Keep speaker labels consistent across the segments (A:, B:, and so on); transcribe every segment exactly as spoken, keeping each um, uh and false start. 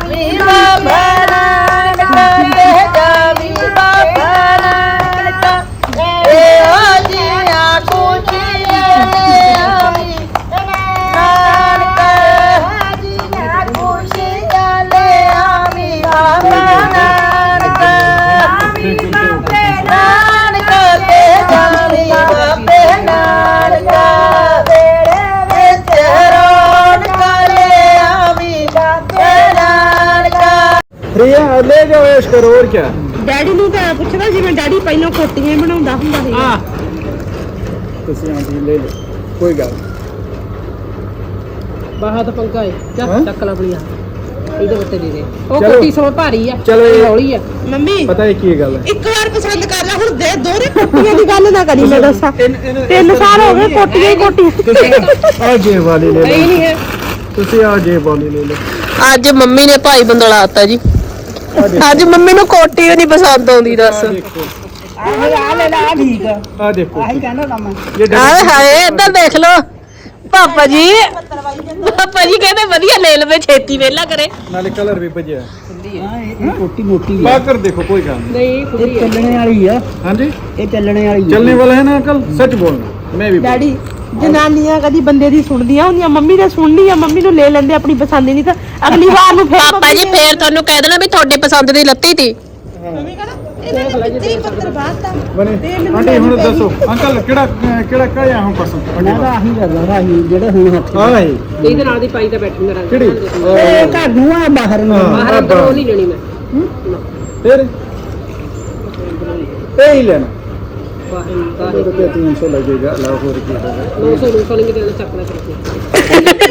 A: ले जाओ ऐश करो और क्या
B: डैडी ਨੂੰ ਤਾਂ ਪੁੱਛਦਾ ਜਿਵੇਂ ਡੈਡੀ ਪਹਿਲਾਂ ਕੋਟੀਆਂ ਬਣਾਉਂਦਾ ਹੁੰਦਾ ਸੀ
A: हां ਤੁਸੀਂ ਆਂਦੀ ਲੈ ਲਓ ਕੋਈ ਗੱਲ
B: ਬਾਹਰ ਤਾਂ ਪੰਗਾ ਹੈ
A: ਹਾਂ?
B: ਚੱਕ ਲਾ ਬੜੀਆ ਇਹਦੇ ਉੱਤੇ ਦੇ ਦੇ ਉਹ
A: ਚਲੋ।
B: ਕੋਟੀ ਸੋ ਭਾਰੀ ਆ
A: ਚਲੋ ਇਹ-
B: ਹੌਲੀ ਆ ਮੰਮੀ
A: ਪਤਾ ਹੈ ਕੀ ਗੱਲ ਹੈ
B: ਇੱਕ ਵਾਰ ਪਸੰਦ ਕਰ ਲੈ ਹੁਣ ਦੇ ਦੋਰੇ ਕੋਟੀਆਂ ਦੀ ਗੱਲ ਨਾ ਕਰੀ ਮੈਂ ਦੱਸਾਂ ਤਿੰਨ ਸਾਲ ਹੋ ਗਏ ਕੋਟੀਆਂ ਹੀ ਕੋਟੀਆਂ
A: ਆ ਜੇ ਵਾਲੀ ਲੈ
B: ਨਹੀਂ
A: ਲਓ
B: ਨਹੀਂ ਹੈ
A: ਤੁਸੀਂ ਆ ਜੇ ਵਾਲੀ ਲੈ ਲਓ
C: ਅੱਜ ਮੰਮੀ ਨੇ ਭਾਈ ਬੰਦਲਾਤਾ ਜੀ
A: ਆ ਦੇਖੋ
C: ਅੱਜ ਮੰਮੀ ਨੂੰ ਕੋਟੀ ਨਹੀਂ ਪਸੰਦ ਆਉਂਦੀ ਦੱਸ
A: ਆ ਦੇਖੋ
B: ਆ ਲੈ ਲੈ ਆ ਠੀਕ ਆ
A: ਆ ਦੇਖੋ
B: ਆਹੀ ਕਹਿੰਦਾ ਨਾ ਮੈਂ
A: ਇਹ
C: ਹਾਏ ਹਾਏ ਇੱਧਰ ਦੇਖ ਲੋ ਪਾਪਾ ਜੀ ਪਾਪਾ ਜੀ ਕਹਿੰਦੇ ਵਧੀਆ ਲੈ ਲਵੇ ਛੇਤੀ ਵੇਲਾ ਕਰੇ
A: ਨਾਲੇ ਕਲਰ ਵੀ ਭਜਿਆ
B: ਇਹ ਕੋਟੀ ਮੋਟੀ
A: पा कर देखो कोई काम नहीं
B: ਨਹੀਂ
D: ये
B: ਖੁੱਲੀ
D: चलने वाली है
A: हाँ जी
D: ये चलने वाली है
A: चलने वाला है ना अंकल सच बोलना मैं भी
B: ਡੈਡੀ ਜਨਾਨੀਆਂ ਕਦੀ ਬੰਦੇ ਦੀ ਸੁਣਦੀਆਂ ਹੁੰਦੀਆਂ ਮੰਮੀ ਨੇ ਸੁਣਨੀ ਆ ਮੰਮੀ ਨੂੰ ਲੈ ਲੈਂਦੇ ਆਪਣੀ ਪਸੰਦ ਨਹੀਂ ਤਾਂ ਅਗਲੀ ਵਾਰ ਨੂੰ ਫੇਰ
C: ਪਾਪਾ ਜੀ ਫੇਰ ਤੁਹਾਨੂੰ ਕਹਿ ਦੇਣਾ ਵੀ ਤੁਹਾਡੀ ਪਸੰਦ ਦੀ ਲੱਤੀ ਤੀ
B: ਮੰਮੀ ਕਹਿੰਦਾ ਇਹਨਾਂ ਨੇ ਕਿੱਥੇ ਪੱਤਰ ਬਾਤਾ
A: बने आंटी हुन दसो अंकल केड़ा केड़ा काया हम पसंद
D: मैं तो आही करदा आही जेड़े हुन हत्थ
A: हां है
B: ਇਹਦੇ ਨਾਲ ਦੀ ਪਾਈ ਤਾਂ ਬੈਠੀ ਮੇਰਾ
A: केड़ी
D: ए घर नु आ बाहर नु
B: ਬਾਹਰ ਅੰਦਰ ਉਹ ਨਹੀਂ ਲੈਣੀ ਮੈਂ
A: फिर ए ही लेना
B: ਬਾਹਰ
A: तो रुपया तीन सौ लगेगा लाहौर की
B: ਨੌ ਸੌ ਨੌ ਸੌ ਲਿੰਗ ਦੇ ਚੱਕ ਲੈ ਕਰਕੇ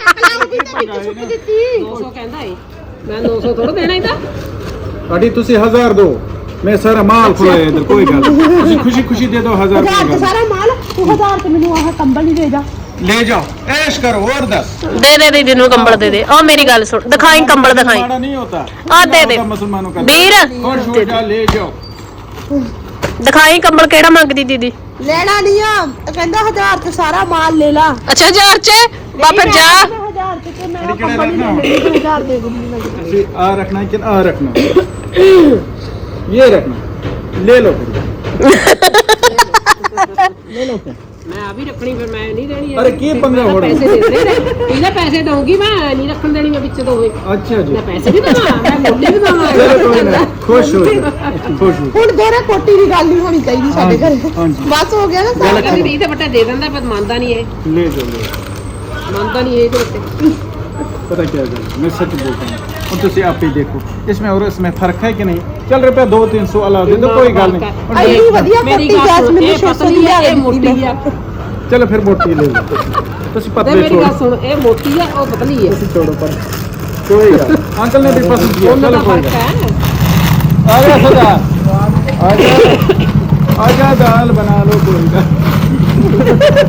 B: ਨੌ ਸੌ ਕਹਿੰਦਾ ਏ ਮੈਂ ਨੌ ਸੌ ਥੋੜਾ ਦੇਣਾ ਇਹਦਾ
A: आंटी तुसी हजार दो मैं सारा माल खोया इधर कोई गल तुसी खुशी खुशी दे दो हजार
B: ਹਜ਼ਾਰ
A: रुपया
B: ਤੇ ਸਾਰਾ ਮਾਲ ਤੂੰ ਹਜ਼ਾਰ ਤੇ ਮੈਨੂੰ ਆਹ ਕੰਬਲ ਨਹੀਂ ਦੇ ਜਾ
A: ले जाओ ऐश करो और दस
C: ਦੇ ਦੇ ਦੀਦੀ ਨੂੰ ਕੰਬਲ ਦੇ ਦੇ ਉਹ ਮੇਰੀ ਗੱਲ ਸੁਣ ਦਿਖਾਈ ਕੰਬਲ ਦਿਖਾਈ
A: माड़ा नहीं होता
C: ਆ ਦੇ ਦੇ
A: मुसलमानों का
C: ਵੀਰ
A: और छोड़ जा ले जाओ
C: ਦਿਖਾਈ ਕੰਬਲ ਕਿਹੜਾ ਮੰਗਦੀ ਦੀਦੀ
B: ਲੈਣਾ ਨਹੀਂ ਆ ਕਹਿੰਦਾ ਹਜ਼ਾਰ ਤੇ ਸਾਰਾ ਮਾਲ ਲੈ ਲਾ
C: ਅੱਛਾ ਹਜ਼ਾਰ ਚ ਬਾਪਾ ਜਾ
B: ਹਜ਼ਾਰ ਤੇ ਤੇ ਮੈਂ
A: अरे केड़ा
B: ਕੰਬਲ
A: रखना
B: ਨਹੀਂ ਲੈਣੀ ਹਜ਼ਾਰ ਦੇ ਦੂੰਗੀ ਮੈਂ
A: तुसी आ रखना है कि आ रखना ये रखना ले लो फिर
D: ले लो फिर
B: ਮੈਂ ਆ ਵੀ ਰੱਖਣੀ ਫਿਰ ਮੈਂ ਨਹੀਂ ਦੇਣੀ
A: अरे की पंगा हो
B: ਪੈਸੇ ਦੇ ਦੇ ਇਹਦਾ ਪੈਸੇ ਦਊਂਗੀ ਮੈਂ ਨਹੀਂ ਰੱਖਣ ਦੇਣੀ ਮੈਂ ਵਿੱਚ ਦੋਵੇਂ
A: अच्छा जी
B: ਮੈਂ ਪੈਸੇ ਵੀ ਦਵਾਂ ਮੈਂ ਮੋਢੇ ਵੀ ਦਵਾਂ
A: चलो कोई ना खुश हो जाओ, खुश हो
B: ਹੁਣ ਦੋਰੇ ਕੋਟੀ ਦੀ ਗੱਲ ਨਹੀਂ ਹੋਣੀ ਚਾਹੀਦੀ ਸਾਡੇ ਘਰੇ
A: हाँ जी
B: ਬਸ ਹੋ ਗਿਆ ਨਾ ਸਾਰਾ ਕਹਿੰਦੀ ਤੇ ਬੱਟਾ ਦੇ ਦਿੰਦਾ ਪਰ ਮੰਨਦਾ ਨਹੀਂ ਇਹ
A: ले जाओ ले जाओ।
B: ਮੰਨਦਾ ਨਹੀਂ ਇਹ ਤੇ ਬੱਟੇ
A: पता क्या है मैं सच बोलता हूँ और तुसी आप ही देखो इसमें और इसमें फर्क है कि नहीं चल रुपया दो तीन सौ अलावा दे दो कोई गल नहीं और
B: ਅਈ
A: देख-
B: ਵਧੀਆ
C: ਮੇਰੀ
B: ਕੋਟੀ
C: ਗੱਲ ਸੁਣ,
B: ਜੈਸਮੀਨ
C: ਇਹ
B: ਛੇ ਸੌ ਦੀ ਲਿਆ ਕੇ ਮੋਟੀ ਆ
A: चलो फिर मोटी ले लो तुसी
B: ਤੇ
A: पतले
B: ਮੇਰੀ ਗੱਲ
A: छोड़ो
B: ਸੁਣ ਇਹ ਮੋਟੀ ਆ ਉਹ ਪਤਲੀ ਆ
A: तुसी छोड़ो पर कोई गल अंकल ने भी पसंद किया
B: ਉਹਨਾਂ ਦਾ
A: चलो कोई
B: ਫਰਕ
A: गल
B: ਹੈ
A: आ जा सदा आजा आजा दाल बना लो कोई गल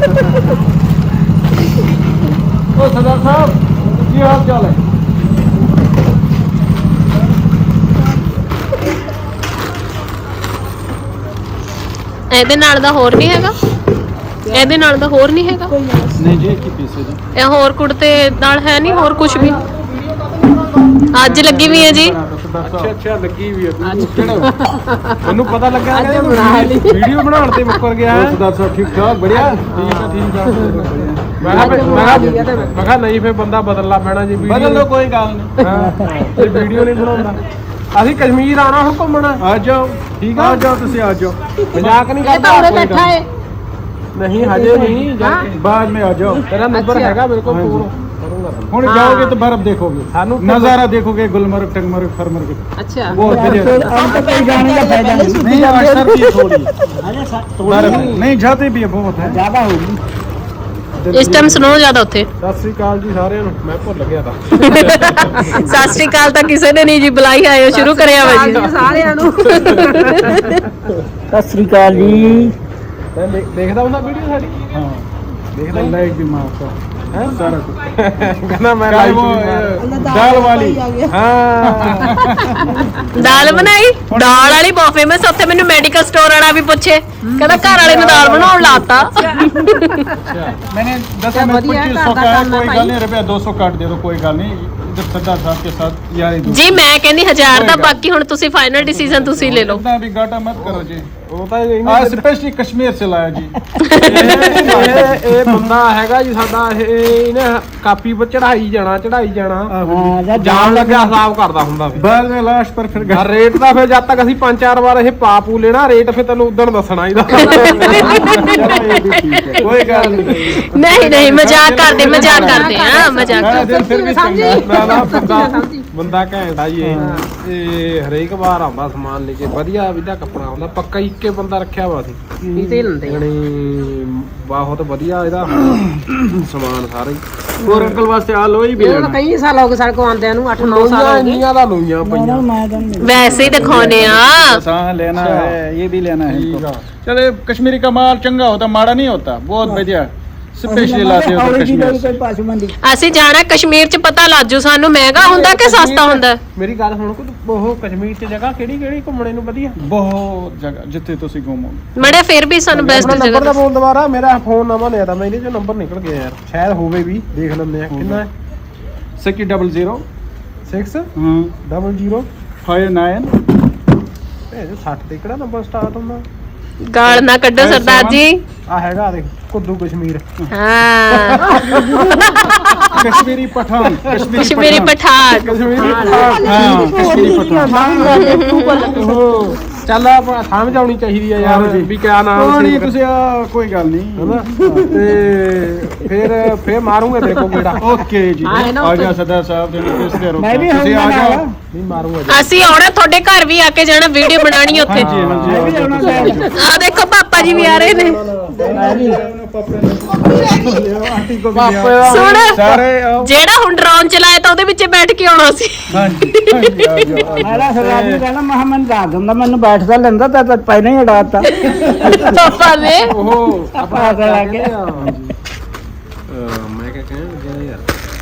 A: ओ सदा साहब की हाल चाल है
C: ਇਹਦੇ ਨਾਲ ਦਾ ਹੋਰ ਨਹੀਂ ਹੈਗਾ ਇਹਦੇ ਨਾਲ ਦਾ ਹੋਰ ਨਹੀਂ ਹੈਗਾ
A: नहीं जी की पीस है जी
C: ਇਹ ਹੋਰ ਕੁੜਤੇ ਨਾਲ ਹੈ ਨਹੀਂ ਹੋਰ ਕੁਝ ਵੀ ਅੱਜ ਲੱਗੀ ਵੀ ਹੈ ਜੀ
A: ਅੱਛਾ ਅੱਛਾ ਲੱਗੀ ਵੀ ਹੈ ਕਿਹੜਾ ਉਹਨੂੰ ਪਤਾ ਲੱਗਾ ਕਿ ਵੀਡੀਓ ਬਣਾਉਣ ਤੇ ਮੁੱਕਰ ਗਿਆ ਹੈ ਸਰਦਾਰ ਸਾਹਿਬ ਠੀਕ ਠਾਕ ਬੜਿਆ ਠੀਕ ਠੀਕ
E: ਮੈਂ ਕਿਹਾ ਮੈਂ ਕਿਹਾ ਨਹੀਂ ਫੇਰ ਬੰਦਾ ਬਦਲਣਾ ਪੈਣਾ ਜੀ
A: ਬਦਲ ਲਓ ਕੋਈ ਗੱਲ ਨਹੀਂ
E: ਹਾਂ ਇਹ ਵੀਡੀਓ ਨਹੀਂ ਬਣਾਉਂਦਾ ਅਸੀਂ ਕਸ਼ਮੀਰ ਆਉਣਾ ਹੁਣ ਘੁੰਮਣ
A: ਆ ਜਾਓ ਠੀਕ ਆ ਜਾਓ ਤੁਸੀਂ ਆ ਜਾਓ
E: ਮਜ਼ਾਕ ਨਹੀਂ
B: ਇਹ ਤਾਂ
E: ਕਰਦਾ
B: ਉਰੇ ਬੈਠਾ ਹੈ
E: ਨਹੀਂ ਹਜੇ ਨਹੀਂ ਜਾ ਕੇ
A: बाद में आ जाओ
E: ਤੇਰਾ ਨੰਬਰ ਹੈਗਾ ਮੇਰੇ ਕੋਲ ਫੋਨ ਕਰੂੰਗਾ
A: ਹੁਣ ਜਾਓਗੇ तो बर्फ देखोगे
E: ਸਾਨੂੰ
A: नजारा देखोगे गुलमर्ग टंगमर्ग फरमर्ग
B: ਅੱਛਾ
A: बहुत बढ़िया
D: अब तो कोई जाने का फायदा नहीं
A: नहीं आज सर्दी थोड़ी
D: अरे सा-
A: बर्फ नहीं जाते भी है बहुत है
D: ज्यादा होगी
C: ਇਸ ਟਾਈਮ ਸਨੋ ਜ਼ਿਆਦਾ ਉੱਥੇ
E: ਸਤਿ ਸ੍ਰੀ ਅਕਾਲ ਜੀ ਸਾਰਿਆਂ ਨੂੰ ਮੈਂ ਭੁੱਲ ਗਿਆ ਤਾਂ
C: ਸਤਿ ਸ਼੍ਰੀ ਅਕਾਲ ਤਾਂ ਕਿਸੇ ਨੇ ਨਹੀਂ ਜੀ ਬੁਲਾਈ ਆਇਓ ਸ਼ੁਰੂ ਕਰਿਆ ਵਾ ਜੀ
B: ਸਾਰਿਆਂ ਨੂੰ
D: सत श्री अकाल जी
E: ਮੈਂ ਦੇਖ- ਦੇਖਦਾ ਹੁੰਦਾ ਵੀਡੀਓ ਸਾਡੀ
A: हाँ देखा लाइक भी मारता है सारा कुछ
E: ਕਹਿੰਦਾ ਮੈਂ
A: चाहे
E: ਲਾਈਵ
A: वो दाल वाली
E: ਹਾਂ
C: ਦਾਲ ਬਣਾਈ ਦਾਲ ਵਾਲੀ ਬਹੁਤ ਫੇਮਸ ਉੱਥੇ ਮੈਨੂੰ ਮੈਡੀਕਲ ਸਟੋਰ ਵਾਲਾ ਵੀ ਪੁੱਛੇ ਕਹਿੰਦਾ ਘਰ ਵਾਲੇ ਨੂੰ ਦਾਲ ਬਣਾਉਣ ਲਾਤਾ
A: मैंने दस में पच्चीस सौ का है कोई गल नहीं रुपया दो सौ काट दे दो कोई गल नहीं जब सरदार साहब के साथ यारी दोस्ती।
C: ਜੀ ਮੈਂ ਕਹਿੰਦੀ ਹਜ਼ਾਰ ਦਾ, ਬਾਕੀ ਹੁਣ ਤੁਸੀਂ ਫਾਈਨਲ ਡਿਸੀਜन ਤੁਸੀਂ ਲੈ ਲਓ।
A: इतना भी घाटा मत करो जी।
E: ਉਹ ਤਾਂ ਇਹ
A: आज स्पेशली कश्मीर से लाया जी।
E: ਇਹ ਇਹ ਬੰਦਾ ਹੈਗਾ ਜੀ ਸਾਡਾ, ਇਹ ਇਹਨੇ ਕਾਪੀ 'ਤੇ ਚੜਾਈ ਜਾਣਾ ਚੜਾਈ ਜਾਣਾ
D: ਹਾਂ ਜਾਂ
E: ਜਾਣ ਲੱਗਿਆ ਹਿਸਾਬ ਕਰਦਾ ਹੁੰਦਾ ਫਿਰ।
A: बाद में लाश पर फिर
E: ਆ ਰੇਟ ਦਾ ਫਿਰ ਜਦ ਤੱਕ ਅਸੀਂ ਪੰਜ ਚਾਰ ਵਾਰ ਇਹ ਪਾਪੂ ਲੈਣਾ ਰੇਟ, ਫਿਰ ਤੈਨੂੰ ਉਦੋਂ ਦੱਸਣਾ ਇਹਦਾ।
A: कोई गल नहीं।
C: ਨਹੀਂ ਨਹੀਂ ਮਜ਼ਾਕ ਕਰਦੇ ਮਜ਼ਾਕ ਕਰਦੇ ਆ ਮਜ਼ਾਕ
A: सारा
C: ਕਰਦੇ।
A: दिन फिर भी चंगा।
E: ਨਾ ਨਾ ਬੰਦਾ ਬੰਦਾ ਘੈਂਟ ਆ ਜੀ ਇਹ। ਇਹ ਹਰੇਕ ਵਾਰ ਆਉਂਦਾ ਸਮਾਨ ਲੈ ਕੇ, ਵਧੀਆ ਵਧੀਆ ਕੱਪੜਾ ਆਉਂਦਾ, ਪੱਕਾ ਹੀ ਇੱਕੇ ਬੰਦਾ ਰੱਖਿਆ ਵਾ ਸੀ
C: ਇਹਦੇ ਲੰਦੇ
E: ਯਾਨੀ ਬਹੁਤ ਵਧੀਆ ਇਹਦਾ ਸਮਾਨ ਸਾਰਾ ਹੀ।
A: और अंकल वास्ते आलोई भी लेना।
B: ਕਈ ਸਾਲ ਹੋ ਗਏ ਸਾਡੇ ਕੋਲ ਆਉਂਦਿਆਂ ਨੂੰ, ਅੱਠ ਨੌ ਸਾਲ
E: ਲੋਈਆਂ
B: ਹੋ ਗਏ।
E: ਇੰਨੀਆਂ ਦਾ ਲੋਈਆਂ ਪਈਆਂ।
D: ਮੈਂ ਤਾਂ ਨਹੀਂ
C: ਵੈਸੇ ਹੀ ਦਿਖਾਉਨੇ ਆ।
A: हाँ लेना है, ये भी लेना है
E: ठीक
A: इनको।
E: है।
A: चले कश्मीरी का माल चंगा होता, माड़ा नहीं होता, बहुत बढ़िया स्पेशली लाते हो
D: ਔਰ
A: कश्मीर से।
D: ਕੋਈ ਪਾਸੂ ਮੰਦੀ
C: ਅਸੀਂ ਜਾਣਾ ਕਸ਼ਮੀਰ ਚ, ਪਤਾ ਲੱਜੂ ਸਾਨੂੰ ਮਹਿੰਗਾ ਹੁੰਦਾ ਕਿ ਸਸਤਾ ਹੁੰਦਾ।
E: ਮੇਰੀ ਗੱਲ ਸੁਣ, ਕੋਈ ਉਹ ਕਸ਼ਮੀਰ ਚ ਜਗ੍ਹਾ ਕਿਹੜੀ ਕਿਹੜੀ ਘੁੰਮਣੇ ਨੂੰ ਵਧੀਆ?
A: बहुत जगह जितने तुसी घूमोगे।
C: ਮੜੇ ਫਿਰ ਵੀ ਸਾਨੂੰ ਬੈਸਟ
E: ਆਪਣਾ ਨੰਬਰ
C: ਜਗ੍ਹਾ
E: ਦਾ ਬੋਲ ਦੁਬਾਰਾ, ਮੇਰਾ ਫੋਨ ਨਵਾਂ ਲਿਆ ਤਾਂ ਮੈਂ, ਇਹਦੇ ਚੋਂ ਨੰਬਰ ਨਿਕਲ ਗਿਆ ਯਾਰ, ਸ਼ਾਇਦ ਹੋਵੇ ਵੀ, ਦੇਖ ਲੈਂਦੇ ਆ ਕਿੰਨਾ ਹੈ।
A: सिक्स डबल जीरो
E: ਛੇ
A: हाँ
E: ਡਬਲ ਜ਼ੀਰੋ
A: फाइव नाइन
E: ਇਹ ਸੱਠ ਤੇ ਕਿਹੜਾ ਨੰਬਰ ਸਟਾਰਟ ਹੁੰਦਾ?
C: ਗਾਲ ਨਾ ਕੱਢੋ ਸਰਦਾਰ ਜੀ।
E: ਆ ਹੈਗਾ ਦੇਖ, ਕੁੱਦੂ ਕਸ਼ਮੀਰ।
C: ਹਾਂ
A: कश्मीरी पठान
C: ਕਸ਼ਮੀਰੀ ਪਠਾਨ।
E: ਕਸ਼ਮੀਰੀ
A: हाँ कश्मीरी पठान।
E: ਚੱਲ ਆਪਾਂ ਸਮਝ ਆਉਣੀ ਚਾਹੀਦੀ ਆ ਯਾਰ ਵੀ ਕਿਆ ਨਾਮ
A: हाँ,
E: ਸੀ
A: नहीं तुसी आ, कोई गल नहीं।
E: ਹਨਾ। ਤੇ ਫਿਰ ਫਿਰ ਮਾਰੂਗੇ ਤੇਰੇ ਕੋਲ ਕਿਹੜਾ?
A: ओके जी आ जा सरदार साहब तेरे किस देर
D: ਮੈਂ ਵੀ
A: तुसी आ
D: ਆਉਂਗਾ
A: जाओ।
E: ਨਹੀਂ ਮਾਰੂਗਾ।
C: ਅਸੀਂ ਆਉਣਾ ਤੁਹਾਡੇ ਘਰ ਵੀ ਆ ਕੇ ਜਾਣਾ, ਵੀਡੀਓ ਬਣਾਣੀ ਉੱਥੇ।
A: हाँ जी हाँ जी आ जाओ, तुसी आ जाओ।
C: ਆ ਦੇਖੋ ਪਾਪਾ ਜੀ ਵੀ ਆ ਰਹੇ ਨੇ।
A: आंटी को भी ले आओ।
C: ਸੁਣ,
A: सारे आओ।
C: ਜਿਹੜਾ ਹੁਣ ਡਰੋਨ ਚਲਾਇਆ ਤਾਂ ਉਹਦੇ ਵਿੱਚ ਬੈਠ ਕੇ ਆਉਣਾ ਸੀ।
A: हाँ जी हाँ जी आ जाओ, आ जाओ।
D: ਮੇਰਾ ਸਰਦਾਰ ਜੀ ਕਹਿੰਦਾ ਮੈਂ ਕਿਹਾ ਮੈਨੂੰ ਦੱਸ ਦਿੰਦਾ, ਮੈਨੂੰ ਬੈਠਦਾ ਲੈਂਦਾ ਤਾਂ ਤਾਂ ਪਹਿਲਾਂ ਹੀ ਉਡਾਤਾ।
C: ਪਾਪਾ ਨੇ
E: ਉਹ
D: ਆਪਣਾ ਕਰਾ ਕੇ
E: ਮੈਂ ਕਿਹਾ ਕਹਿਣ ਲੱਗਿਆ ਯਾਰ,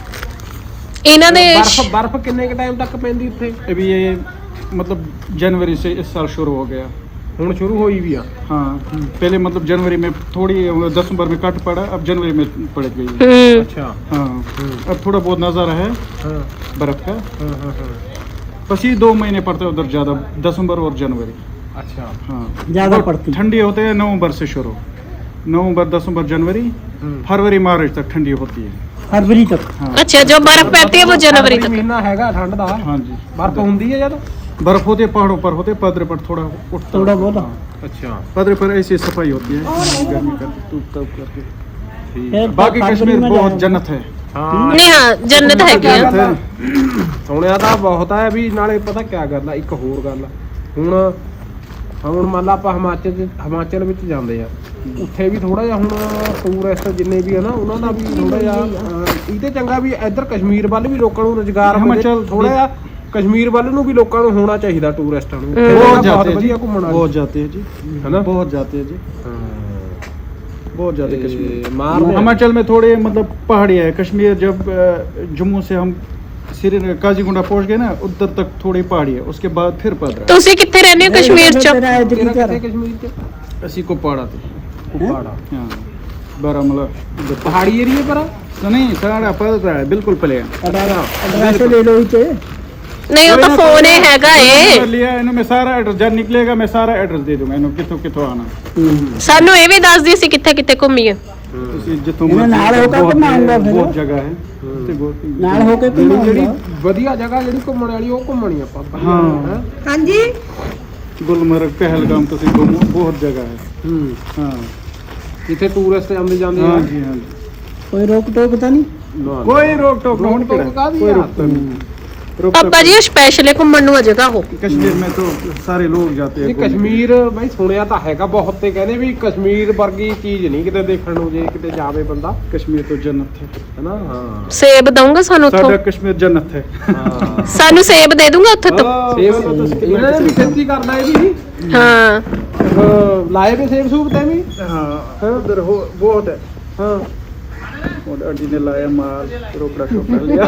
C: ਇਹਨਾਂ ਦੇ
E: ਬਰਫ਼ ਬਰਫ਼ ਕਿੰਨੇ ਕ ਟਾਈਮ ਤੱਕ ਪੈਂਦੀ ਉੱਥੇ?
A: अभी ये मतलब जनवरी से इस साल शुरू हो गया।
E: ਹੁਣ ਸ਼ੁਰੂ ਹੋਈ ਵੀ ਆ।
A: हाँ पहले मतलब जनवरी में थोड़ी दिसंबर में कट पड़ा, अब जनवरी में पड़ गई।
C: ਹੂੰ
E: ਅੱਛਾ।
A: हाँ अब थोड़ा बहुत नज़ारा है
E: ਹਾਂ
A: बर्फ का।
E: ਹਾਂ ਹਾਂ ਹਾਂ
A: बस ये दो महीने पड़ते हैं उधर ज़्यादा, दिसंबर और जनवरी।
E: ਅੱਛਾ।
A: हाँ
D: ज्यादा
A: और
D: पड़ती।
A: ठंडी होते हैं नवंबर से शुरू, नवंबर दिसंबर जनवरी
E: हम्म।
A: फरवरी मार्च तक ठंडी होती है।
D: फरवरी तक।
A: हाँ
C: ਅੱਛਾ, ਜੋ ਬਰਫ਼ ਪੈਂਦੀ ਹੈ ਉਹ ਜਨਵਰੀ ਤੱਕ।
E: ਮਹੀਨਾ ਹੈਗਾ ਠੰਡ ਦਾ।
A: हाँ जी
E: ਬਰਫ਼ ਹੁੰਦੀ ਹੈ ਜਦ?
A: बर्फ होती है पहाड़ों पर, होते हैं पदरे पर थोड़ा उठता
D: थोड़ा बहुत।
A: हाँ।
E: ਅੱਛਾ
A: पदरे पर ऐसी सफाई होती है गर्मी का टूप टूप करके।
E: ਠੀਕ।
D: फिर
A: बाकी
D: फरवरी
A: कश्मीर
D: में
A: बहुत
D: जाना।
A: जन्नत है।
E: ਹਾਂ
C: ਨਹੀਂ ਹਾਂ, ਜੰਨਤ ਹੈਗੀ ਆ।
A: जन्नत है।
E: ਸੁਣਿਆ ਤਾਂ ਬਹੁਤ ਹੈ ਵੀ, ਨਾਲੇ ਪਤਾ ਕਿਆ ਗੱਲ ਆ, ਇੱਕ ਹੋਰ ਗੱਲ ਆ, ਹੁਣ ਹੁਣ ਮੰਨ ਲਾ ਆਪਾਂ ਹਿਮਾਚਲ ਚ ਹਿਮਾਚਲ ਵਿੱਚ ਜਾਂਦੇ ਆ, ਉੱਥੇ ਵੀ ਥੋੜਾ ਜਿਹਾ ਹੁਣ ਟੂਰਿਸਟ ਜਿੰਨੇ ਵੀ ਆ ਨਾ, ਉਹਨਾਂ ਦਾ ਵੀ ਥੋੜਾ ਜਿਹਾ ਅਹ, ਇਹਦੇ ਚੰਗਾ ਵੀ ਇੱਧਰ ਕਸ਼ਮੀਰ ਵੱਲ ਵੀ ਲੋਕਾਂ ਨੂੰ ਰੁਜ਼ਗਾਰ
A: ਹਿਮਾਚਲ
E: ਥੋੜਾ ਜਿਹਾ ਕਸ਼ਮੀਰ ਵੱਲ ਨੂੰ ਵੀ ਲੋਕਾਂ ਨੂੰ ਹੋਣਾ ਚਾਹੀਦਾ, ਟੂਰਿਸਟਾਂ ਨੂੰ।
C: ਹਮ।
A: बहुत
E: ਬਹੁਤ
A: जाते हैं जी,
E: ਵਧੀਆ ਘੁੰਮਣ ਵਾਲੀ।
A: बहुत जाते हैं जी,
E: है ना?
A: बहुत जाते हैं जी,
E: ਹਾਂ।
A: बहुत जाते हैं कश्मीर।
E: ਤੇ ਮਾਰਦੇ ਆ।
A: हिमाचल में थोड़े मतलब पहाड़ियाँ है। कश्मीर जब अ, जम्मू से हम श्रीनगर काजीगुंडा पहुंच गए ना, उधर तक थोड़ी पहाड़ी है, उसके बाद फिर पदरा।
C: ਤੁਸੀਂ ਕਿੱਥੇ ਰਹਿੰਦੇ ਹੋ ਕਸ਼ਮੀਰ ਚ?
D: तेरा है
E: ਤੇਰਾ
D: जिक्र।
E: ਕਿੱਥੇ ਕਸ਼ਮੀਰ ਚ?
A: ਅਸੀਂ को पहाड़ा थे।
E: ਕੁਪਾੜਾ।
A: हाँ बारामूला उधर।
E: ਪਹਾੜੀ ਏਰੀਆ ਪਰ ਆ?
A: तो नहीं सारा पदरा है, बिल्कुल प्लेन।
D: एड्रेस ले लो इसे।
C: ਨਹੀਂ ਉਹ ਤਾਂ ਫੋਨ ਹੀ ਹੈਗਾ ਏ।
A: लिया इन्हों में सारा एड्रेस जब निकलेगा, मैं सारा एड्रेस दे दूंगा इन्हों कितों कितों आना।
C: ਸਾਨੂੰ ਇਹ ਵੀ ਦੱਸਦੀ ਸੀ ਕਿੱਥੇ ਕਿੱਥੇ ਘੁੰਮੀਏ।
A: ਤੁਸੀਂ ਜਿੱਥੋਂ
D: इन्हें नाल होकर
A: बहुत-
D: घुमाऊंगा फिर।
A: बहुत जगह है। ਤੇ ਬਹੁਤ-
D: नाल होके तुम
E: ਜਿਹੜੀ ਜਿਹੜੀ ਵਧੀਆ ਜਗ੍ਹਾ ਜਿਹੜੀ ਘੁੰਮਣ ਵਾਲੀ, ਉਹ ਘੁੰਮਣੀ ਆਪਾਂ।
A: ਹਾਂ।
E: ਹੈਂ?
B: ਹਾਂਜੀ
A: ਗੁਲਮਰਗ पहलगाम ਤੁਸੀਂ ਘੁੰਮੋ, बहुत जगह है।
E: ਹੂੰ।
A: हाँ
E: ਜਿੱਥੇ ਟੂਰਿਸਟ ਆਉਂਦੇ ਜਾਂਦੇ ਆ।
A: हाँ जी हाँ जी।
D: कोई रोक टोक तो नहीं।
E: ਨਾ, ਨਾ।
A: कोई रोक टोक
E: रोक
A: नहीं
E: टोक
A: पड़ा,
E: काहदी
A: कोई
E: है?
A: रोक टोक नहीं। रोक
C: ਪਾਪਾ
A: टोक-
C: ਜੀ ਸਪੈਸ਼ਲ ਘੁੰਮਣ ਨੂੰ ਆ ਜਗ੍ਹਾ ਹੋ।
A: कश्मीर में तो सारे लोग जाते हैं
E: ਇਹ
A: घूमने।
E: ਕਸ਼ਮੀਰ ਬਈ ਸੁਣਿਆ ਤਾਂ ਹੈਗਾ ਬਹੁਤ, ਤੇ ਕਹਿੰਦੇ ਵੀ ਕਸ਼ਮੀਰ ਵਰਗੀ ਚੀਜ਼ ਨਹੀਂ ਕਿਤੇ ਦੇਖਣ ਨੂੰ, ਜੇ ਕਿਤੇ ਜਾਵੇ ਬੰਦਾ,
A: कश्मीर तो जन्नत है,
E: ਹੈਨਾ? ਹਾਂ
C: ਸੇਬ ਦਊਂਗਾ ਸਾਨੂੰ ਉੱਥੋਂ?
A: साडा कश्मीर जन्नत है।
E: ਹਾਂ।
C: ਸਾਨੂੰ ਸੇਬ ਦੇ ਦੂੰਗਾ ਉੱਥੇ ਤੋਂ?
E: ਸੇਬ ਇਹਨਾਂ ਨੇ ਵੀ ਖੇਤੀ ਕਰਨਾ ਇਹਦੀ,
C: ਹਾਂ
E: ਅਹ, ਲਾਏ ਵੀ ਸੇਬ ਸੂਬ ਤੇ ਵੀ।
A: हाँ उधर हो बहुत है।
E: ਹਾਂ।
A: और आंटी ने लाया माल, रोकड़ा शोकड़ा लिया।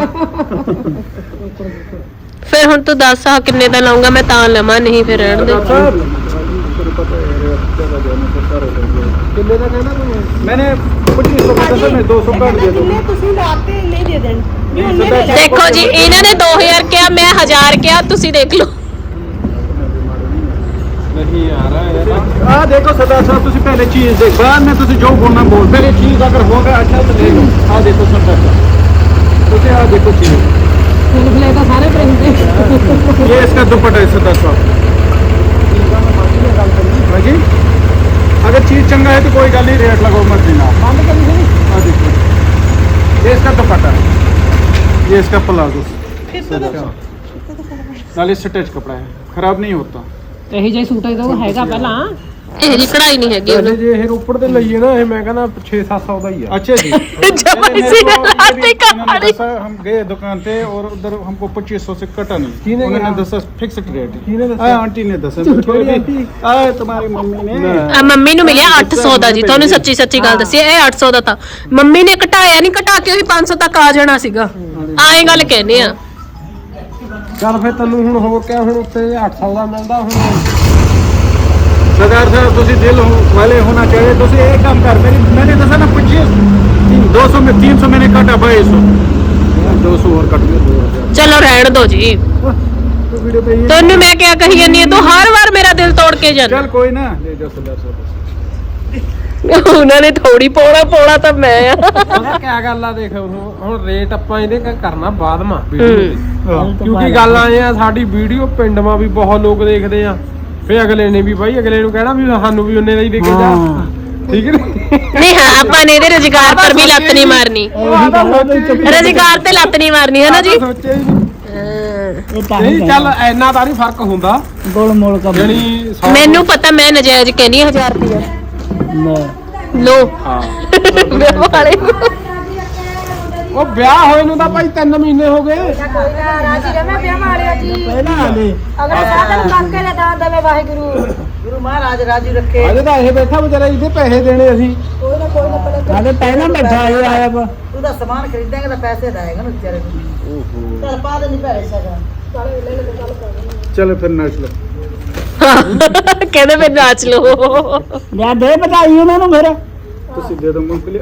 C: ਫਿਰ ਹੁਣ ਤੂੰ ਦੱਸ ਆ ਕਿੰਨੇ ਦਾ ਲਾਉਂਗਾ, ਮੈਂ ਤਾਂ ਲਵਾਂ, ਨਹੀਂ ਫਿਰ ਰਹਿਣ ਦੇ।
A: तेरे पता है यार, जगह जाने से सारे लोग गए।
E: ਕਿੰਨੇ ਦਾ ਕਹਿੰਦਾ ਤੂੰ?
A: मैंने पच्चीस सौ का दस में दो सौ काट दिया।
B: ਜਿੰਨੇ ਤੁਸੀਂ ਲਾਤੇ ਇੰਨੇ ਦੇ ਦੇਣ।
C: ਦੇਖੋ ਜੀ ਇਹਨਾਂ ਨੇ ਦੋ ਹਜ਼ਾਰ ਕਿਹਾ, ਮੈਂ ਹਜ਼ਾਰ ਕਿਹਾ, ਤੁਸੀਂ ਦੇਖ ਲਓ।
E: नहीं आ रहा है
A: आ देखो सरदार साहब तुसी पहले चीज देख बाद में तुसी जो बोलना बोल पहले चीज अगर होगा अच्छा तो ले लो। आ देखो सरदार साहब तुसी आ देखो चीज ये इसका दुपट्टा है सरदार साहब। हाँ जी अगर चीज चंगा है तो कोई गल नहीं रेट लगाओ मत देना। आ देखो ये इसका दुपट्टा है, ये इसका प्लाजो नाले स्टिच कपड़ा है, खराब नहीं होता।
B: ਇਹੀ ਜਿਹੀ ਸੂਟ ਇਹਦਾ ਹੈਗਾ ਪਹਿਲਾਂ
C: ਇਹ ਜੀ ਕਢਾਈ ਨਹੀਂ ਹੈਗੀ ਉਹਨੂੰ।
E: ਜੇ ਇਹ ਰੋਪੜ ਤੇ ਲਈਏ ਨਾ ਇਹ ਮੈਂ ਕਹਿੰਦਾ छह सात सौ ਦਾ ਹੀ ਆ।
A: अच्छा जी
C: जब इसी ने लाते कहानी
A: दसा हम गए दुकान पे और उधर हमको पच्चीस सौ से कटा नहीं,
E: किने
A: उन्होंने
E: कहा?
A: दसा फिक्स्ड रेट
E: किने दसा?
A: हाँ आंटी ने दसा
E: थोड़ी आंटी?
A: आए तुम्हारी मम्मी ने
C: ਆ ਮੰਮੀ ਨੂੰ ਮਿਲਿਆ ਅੱਠ ਸੌ ਦਾ ਜੀ, ਤੁਹਾਨੂੰ ਸੱਚੀ ਸੱਚੀ ਗੱਲ ਦੱਸੀ ਇਹ ਅੱਠ ਸੌ ਦਾ ਤਾਂ। ਮੰਮੀ ਨੇ ਘਟਾਇਆ ਨਹੀਂ, ਘਟਾ ਕੇ ਉਹੀ ਪੰਜ ਸੌ ਤੱਕ ਆ ਜਾਣਾ ਸੀਗਾ। ਆਏ ਗੱਲ ਕਹਿੰਦੇ ਆ।
E: ਚੱਲ ਫਿਰ ਤੈਨੂੰ ਹੁਣ ਹੋਰ ਕਿਆ ਹੁਣ ਉੱਤੇ ਅੱਠ ਸੌ ਦਾ ਮਿਲਦਾ ਹੁਣ।
A: सरदार साहब तुसी दिल हो, वाले होना चाहिए। तुसी एक काम कर मेरी मैंने दसा ना पच्चीस दो सौ में तीन सौ मैंने काटा बाईस सौ दो सौ और कट गया।
C: ਚਲੋ ਰਹਿਣ ਦੋ ਜੀ,
A: तो वीडियो पे ये
C: ਤੈਨੂੰ ਮੈਂ ਕਿਆ ਕਹੀ ਜਾਂਦੀ ਆ, ਤੂੰ ਹਰ ਵਾਰ ਮੇਰਾ ਦਿਲ ਤੋੜ ਕੇ ਜਾਂਦਾ।
A: चल कोई ना ले जाओ सरदार साहब।
C: ਉਹਨਾਂ ਨੇ ਥੋੜੀ ਪੋੜਾ ਪੋੜਾ ਤਾਂ ਮੈਂ ਆ।
E: ਪਤਾ ਕਿਆ ਗੱਲ ਆ ਦੇਖ ਹੁਣ ਹੁਣ ਰੇਟ ਆਪਾਂ ਇਹਦੇ ਕ- ਕਰਨਾ ਬਾਅਦ ਮਾ ਵੀਡੀਓ ਦੀ। ਕਿਉਂਕਿ ਗੱਲ ਆਏ ਆ ਸਾਡੀ ਵੀਡੀਓ ਪਿੰਡ ਮਾ ਵੀ ਬਹੁਤ ਲੋਕ ਦੇਖਦੇ ਆ, ਫੇ ਅਗਲੇ ਨੇ ਵੀ ਬਾਈ ਅਗਲੇ ਨੂੰ ਕਹਿਣਾ ਵੀ ਸਾਨੂੰ ਵੀ ਉਹਨੇ ਦਾ ਹੀ ਦੇ ਕੇ ਜਾ। ਠੀਕ ਹੈ
C: ਨਹੀਂ ਹਾਂ ਆਪਾਂ ਨੇ ਇਹਦੇ ਰੁਜ਼ਗਾਰ ਪਰ ਵੀ ਲੱਤ ਨਹੀਂ ਮਾਰਨੀ, ਰੁਜ਼ਗਾਰ ਤੇ ਲੱਤ ਨਹੀਂ ਮਾਰਨੀ ਹੈ ਨਾ ਜੀ।
E: ਸੋਚਿਆ ਹੀ ਨਹੀਂ।
D: ਇਹ ਤਾਂ
E: ਨਹੀਂ ਚੱਲ ਇੰਨਾ ਤਾਂ ਨਹੀਂ ਫਰਕ ਹੁੰਦਾ
D: ਗੋਲ ਮੋਲ ਕਰ
E: ਜਣੀ
C: ਮੈਨੂੰ ਪਤਾ ਮੈਂ ਨਜਾਇਜ਼ ਕਹਿੰਦੀ ਹਾਂ ਹਜ਼ਾਰ ਰੁਪਇਆ ਲੋ
E: ਹਾਂ
C: ਵਿਆਹ ਵਾਲੇ
E: ਉਹ ਵਿਆਹ ਹੋਏ ਨੂੰ ਤਾਂ ਭਾਈ ਤਿੰਨ ਮਹੀਨੇ ਹੋ ਗਏ।
F: ਰਾਜੀ ਰਮੇ ਵਿਆਹ ਮਾਰਿਆ ਜੀ
D: ਪਹਿਲਾਂ ਆਲੇ
F: ਅਗਲੇ ਸਾਧਨ ਕਾਕੇ ਦੇ ਦਾਨ ਦੇਵੇ ਵਾਹਿਗੁਰੂ ਗੁਰੂ ਮਹਾਰਾਜ ਰਾਜੀ ਰੱਖੇ।
E: ਅਜੇ ਤਾਂ ਇਹ ਬੈਠਾ ਵਿਚਾਰਾ ਇਹਦੇ ਪੈਸੇ ਦੇਣੇ ਅਸੀਂ।
F: ਕੋਈ ਨਾ ਕੋਈ ਨਾ ਪਹਿਲੇ
D: ਸਾਡੇ ਪਹਿਲਾਂ ਬੈਠਾ ਇਹ ਆਇਆ ਵਾ
F: ਤੂੰ ਦਾ ਸਮਾਨ ਖਰੀਦਾਂਗੇ ਤਾਂ ਪੈਸੇ ਦੇਏਗਾ ਨਾ ਵਿਚਾਰੇ ਨੂੰ। ਚੱਲ ਪਾ ਦੇ ਨਹੀਂ ਪੈਸੇ ਸਕਦਾ
A: चलो फिर नाच लो।
C: ਕਹਿੰਦੇ ਫਿਰ ਨਾਚ ਲੋ।
D: ਲਿਆ ਦੇ ਬਤਾਈ ਉਹਨਾਂ ਨੂੰ ਫਿਰ
A: तुसी दे दो मूंगफली।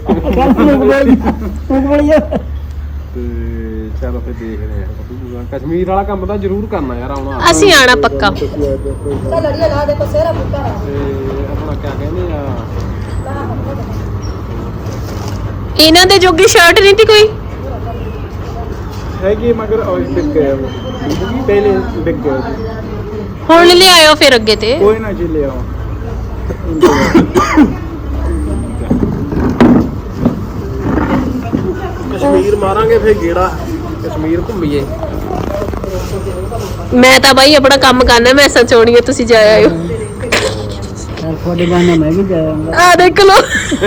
D: ਉਂਗਲੀ
E: ਤੇ ਚਲੋ ਫਿਰ ਦੇਖਦੇ ਆ ਕਸ਼ਮੀਰ ਵਾਲਾ ਕੰਮ ਤਾਂ ਜ਼ਰੂਰ ਕਰਨਾ ਯਾਰ ਆਉਣਾ।
C: ਅਸੀਂ ਆਣਾ ਪੱਕਾ।
F: ਚੱਲ ਲੜੀਏ ਲਾ ਦੇ ਕੋ ਸੇਰਾ ਬੁੱਟਾ ਲਾ
E: ਤੇ ਆਪਣਾ ਕਿਆ ਕਹਿੰਦੇ ਆ
C: ਇਹਨਾਂ ਦੇ ਜੋਗੀ ਸ਼ਰਟ ਨਹੀਂ ਤੀ ਕੋਈ।
A: है कि मगर और बिक गया वो पहले बिक गया जी।
C: ਹੁਣ ਲਿਆਇਓ ਫਿਰ ਅੱਗੇ ਤੇ।
A: कोई ना जी ले आओ।
E: ਕਸ਼ਮੀਰ ਮਾਰਾਂਗੇ ਫਿਰ ਗੇੜਾ, ਕਸ਼ਮੀਰ ਘੁੰਮੀਏ।
C: ਮੈਂ ਤਾਂ ਬਾਈ ਆਪਣਾ ਕੰਮ ਕਰਨਾ, ਮੈਂ ਸਚੋਣੀਏ ਤੁਸੀਂ ਜਾ ਆਇਓ।
D: ਤੁਹਾਡੇ ਬਾਨੇ ਮੈਂ ਵੀ ਜਾਵਾਂਗਾ
C: ਆ ਦੇਖ ਲੋ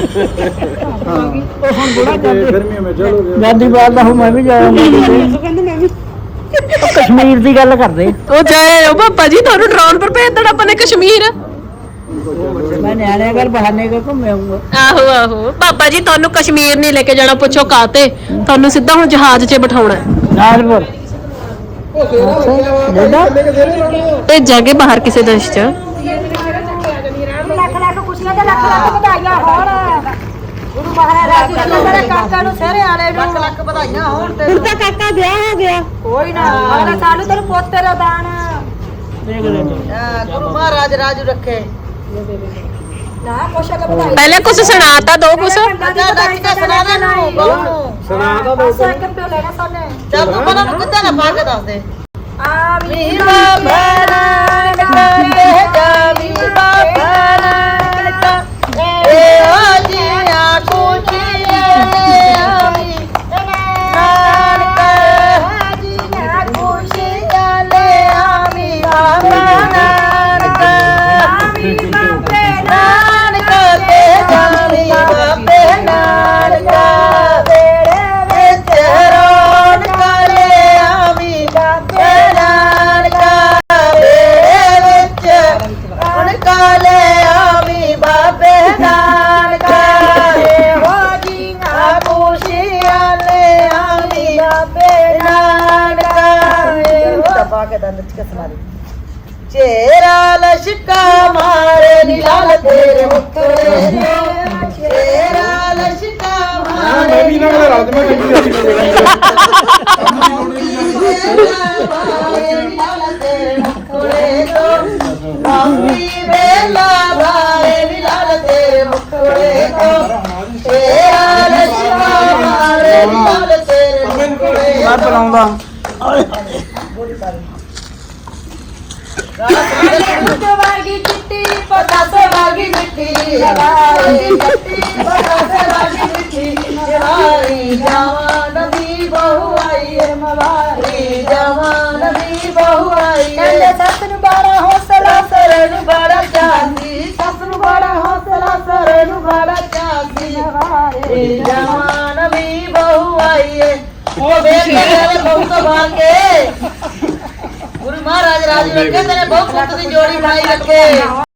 A: गर्मियों में चलोगे
D: ਦਾਦੀ ਬਾਤ ਦਾ ਮੈਂ ਵੀ ਜਾਵਾਂਗਾ
B: ਕਹਿੰਦੇ ਮੈਂ ਵੀ
D: ਕਸ਼ਮੀਰ ਦੀ ਗੱਲ ਕਰਦੇ
C: ਉਹ ਜਾ ਆਇਓ ਪਾਪਾ ਜੀ, ਤੁਹਾਨੂੰ ਡਰਾਉਣ ਪਰ ਭੇਜ ਦੇਣਾ ਆਪਾਂ ਨੇ ਕਸ਼ਮੀਰ।
D: ਮੈਂ ਨਿਆਣੇ ਘਰ ਬਹਾਨੇ ਕੇ ਘੁੰਮ ਆਉਂਗਾ
C: ਆਹੋ ਆਹੋ ਪਾਪਾ ਜੀ, ਤੁਹਾਨੂੰ ਕਸ਼ਮੀਰ ਨਹੀਂ ਲੈ ਕੇ ਜਾਣਾ, ਪੁੱਛੋ ਕਾਤੇ। ਤੁਹਾਨੂੰ ਸਿੱਧਾ ਹੁਣ ਜਹਾਜ਼ 'ਚ ਬਿਠਾਉਣਾ ਹੈ।
D: ਨਾਲਪੁਰ
C: ਭੇਜਾਂਗੇ ਬਾਹਰ ਕਿਸੇ ਦੇਸ਼ 'ਚ।
F: ਲੱਖ ਲੱਖ ਖੁਸ਼ੀਆਂ ਤੇ ਲੱਖ ਲੱਖ ਵਧਾਈਆਂ ਹੋਣ ਗੁਰੂ ਮਹਾਰਾਜ ਰਾਜੀ ਰੱਖੇ ਤੇਰੇ ਕਾਕਾ ਨੂੰ ਸਹਿਰੇ ਵਾਲੇ ਨੂੰ ਲੱਖ ਲੱਖ ਵਧਾਈਆਂ ਹੋਣ ਤੇ
B: ਹੁਣ ਤਾਂ ਕਾਕਾ ਵਿਆਹ ਹੋ ਗਿਆ।
F: ਕੋਈ ਨਾ ਅਗਲੇ ਸਾਲ ਤੈਨੂੰ ਪੋਤੇ ਦਾ ਦਾਨ
D: ਦੇਖ ਲੈ
F: ਗੁਰੂ ਮਹਾਰਾਜ ਰਾਜੀ ਰੱਖੇ ਨਾ ਕੁਛ ਅਗੇ ਵਧਾਈ
C: ਪਹਿਲੇ ਕੁਝ ਸੁਣਾਤਾ, ਦੋ ਕੁਝ।
F: ਸੁਣਾ ਦੇ ਨੂੰ ਬਹੂ ਨੂੰ
E: ਸੁਣਾ ਤਾਂ ਦੋ
F: ਪਾਸਾ ਕਿੱਥੇ ਲੈਣਾ ਸੋਨੇ ਚੱਲ ਤੂੰ ਬਣਾ ਨੂੰ ਕਿੱਦਾਂ ਨਾ ਪਾ ਕੇ ਦੱਸ ਦੇ ਆਮੀ ਬਾਬਾ ਨਾਨਕਾ ਏ ਜਾਮੀ ਬਾਬਾ ਨਾਨਕਾ ਏ ਆਜੀਆਂ ਖੁਸ਼ੀਆਂ ਲੈ ਆਮੀ ਨਾਨਕਾ ਆਜੀਆਂ ਖੁਸ਼ੀਆਂ ਲੈ ਆਮੀ ਬਾਬਾ ਨਾਨਕਾ ਆਮੀ ਬਾਬੇ ਨਾਨਕਾ ਤੇ ਜਾਮੀ ਬਾਬੇ ਨਾਨਕਾ ਤੇਰੇ ਵਿੱਚ ਰੌਣਕ ਲੈ ਆਮੀ ਬਾਬੇ ਨਾਨਕਾ ਤੇਰੇ ਵਿੱਚ ਰੌਣਕ ਲੈ ਆਮੀ ਬਾਬੇ ਨਾਨਕਾ ਇਹੋ ਜੀਆਂ ਖੁਸ਼ੀਆਂ ਲੈ ਆਮੀ ਬਾਬੇ ਨਾਨਕਾ ਇਹੋ ਦਬਾ ਕੇ ਦੰਦ ਚ ਕਸਮਾਰੀ ਚੇਰਾ ਲਸ਼ਕਾ ਮਾਰੇ ਨੀ ਲਾਲ ਤੇਰੇ ਮੁੱਤਰੇ ਚੇਰਾ ਲਸ਼ਕਾ
A: ਮੈਂ ਵੀ ਇਹਨਾਂ ਨਾਲ ਰਲ ਮੈਂ ਚੰਗੀ ਰੱਖੀ ਨਾ
D: ਮੈਂ ਬੁਲਾਉਂਦਾ
F: ਵਾਗੀ ਚਿੱਟੀ ਪਤਾਸੇ ਵਾਗੀ ਮਿੱਠੀ ਵਾਗੀ ਚਿੱਟੀ ਪਤਾਸੇ ਵਾਗੀ ਮਿੱਠੀ ਜਵਾਨੀ ਜਵਾਨ ਦੀ ਬਹੂ ਆਈ ਏ ਮਵਾਰੀ ਜਵਾਨ ਦੀ ਬਹੂ ਆਈ ਏ ਕਹਿੰਦੇ ਸੱਸ ਨੂੰ ਬੜਾ ਹੌਸਲਾ ਸਰੇ ਨੂੰ ਬੜਾ ਚਾਹੀ ਸੱਸ ਨੂੰ ਬੜਾ ਹੌਸਲਾ ਸਰੇ ਨੂੰ ਬੜਾ ਚਾਹੀ ਜਵਾਨੀ ਜਵਾਨ ਦੀ ਬਹੂ ਆਈ ਏ ਉਹ ਵੇਖ ਕੇ ਬਹੂ ਤੋਂ ਬਾਹਰ ਕੇ ਗੁਰੂ ਮਹਾਰਾਜ ਰਾਜ ਰੱਖੇ ਤੇਰੇ ਬਹੁਤ ਪੁੱਤ ਦੀ ਜੋੜੀ ਬਣਾਈ ਰੱਖੇ